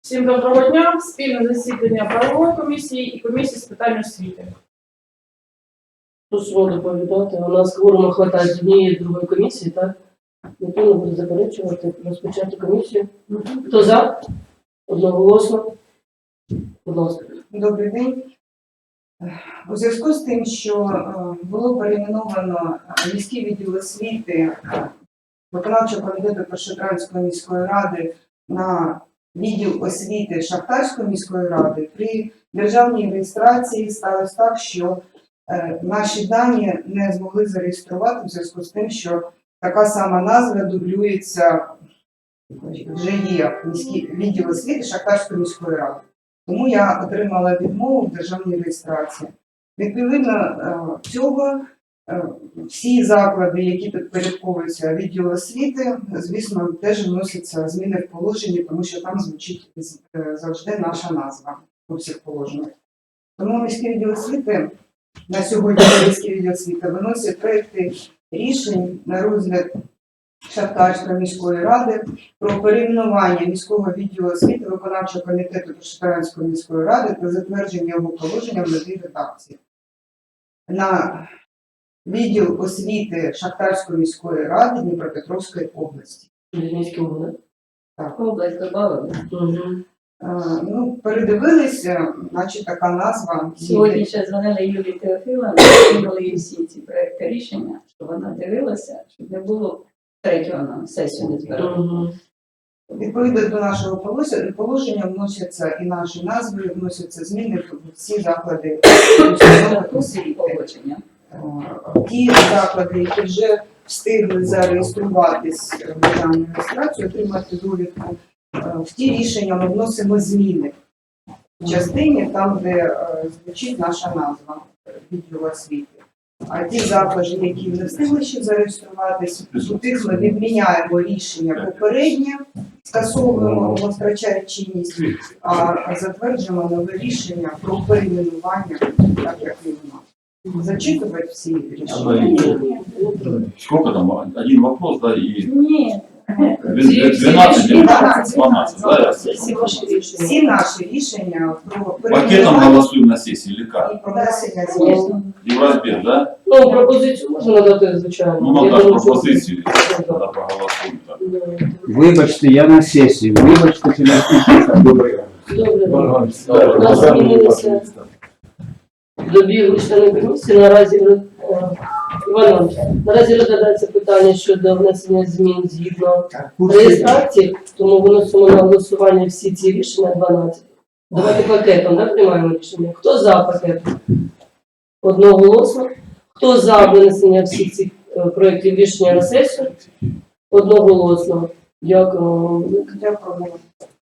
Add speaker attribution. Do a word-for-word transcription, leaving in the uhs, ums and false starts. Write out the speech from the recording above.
Speaker 1: Всім доброго дня. Спільне засідання правової комісії і комісії з питань освіти.
Speaker 2: Прошу доповідати. У нас кворуму хватає з однієї з другої комісії, так? Ніхто не буде заперечувати, розпочати комісію. Хто за? Одноголосно. Будь ласка.
Speaker 3: Добрий день. У зв'язку з тим, що е, було перейменовано міський відділ освіти виконавчого комітету Першотравенської міської ради на відділ освіти Шахтарської міської ради, при державній реєстрації сталося так, що е, наші дані не змогли зареєструвати в зв'язку з тим, що така сама назва дублюється, вже є міський відділ освіти Шахтарської міської ради. Тому я отримала відмову в державній реєстрації. Відповідно цього, всі заклади, які підпорядковуються відділу освіти, звісно, теж вносяться зміни в положенні, тому що там звучить завжди наша назва у всіх положеннях. Тому міський відділ освіти, на сьогодні міський відділ освіти виносить проекти рішень на розгляд Шахтарської міської ради про перейменування міського відділу освіти виконавчого комітету Першотравенської міської ради та затвердження його положення в новій редакції. На відділ освіти Шахтарської міської ради Дніпропетровської області.
Speaker 2: Вінницький область.
Speaker 3: Так.
Speaker 2: Область добавили. Угу.
Speaker 3: Е, ну, передивилися, значить така назва.
Speaker 4: Сьогодні ще дзвонили Юлії Теофіловні, кинули їй всі ці проекти рішення, щоб вона дивилася, щоб не було третього на сесію не збирали.
Speaker 2: Угу.
Speaker 3: Відповідно до нашого положення вносяться і наші назви, вносяться зміни в всі заклади освіти.
Speaker 4: Погодження.
Speaker 3: Ті заклади, які вже встигли зареєструватись в державну реєстрацію, отримати довідку, в ті рішення ми вносимо зміни в частині, там, де звучить наша назва відділу освіти. А ті заклади, які не встигли ще зареєструватись, у тих ми відміняємо рішення попереднє, скасовуємо, воно втрачає чинність, а затверджуємо нове рішення про перейменування, так як і у нас. Зачитывать все решения.
Speaker 5: Сколько там? Один вопрос, да, и
Speaker 4: Ні.
Speaker 5: двенадцать, двенадцать, да?
Speaker 3: Всі наші рішення про
Speaker 5: Пакетом
Speaker 3: перейменування
Speaker 5: голосуем на сессии или как?
Speaker 3: і про внесення змін.
Speaker 4: Звісно.
Speaker 5: И в разбег, да?
Speaker 2: Ну, пропозицію можна надати, звичайно.
Speaker 5: Ну,
Speaker 2: Я
Speaker 5: надо
Speaker 2: думаю, що-
Speaker 5: пропозицию,
Speaker 2: Так.
Speaker 5: тогда проголосуем. Так.
Speaker 6: Вибачте, я на сесії. Вибачте, фінансистка. Добре.
Speaker 2: Добре. У
Speaker 5: Да.
Speaker 2: нас змінилися добігли члени комісії. Наразі е, Іван Іванович, наразі розглядається питання щодо внесення змін згідно реєстрації, тому виносимо на голосування всі ці рішення дванадцять. Давайте пакетом, да, приймаємо рішення. Хто за пакет? Одноголосно. Хто за винесення всіх цих е, проєктів рішення на сесію? Одноголосно. Дякую вам.
Speaker 3: Дякую.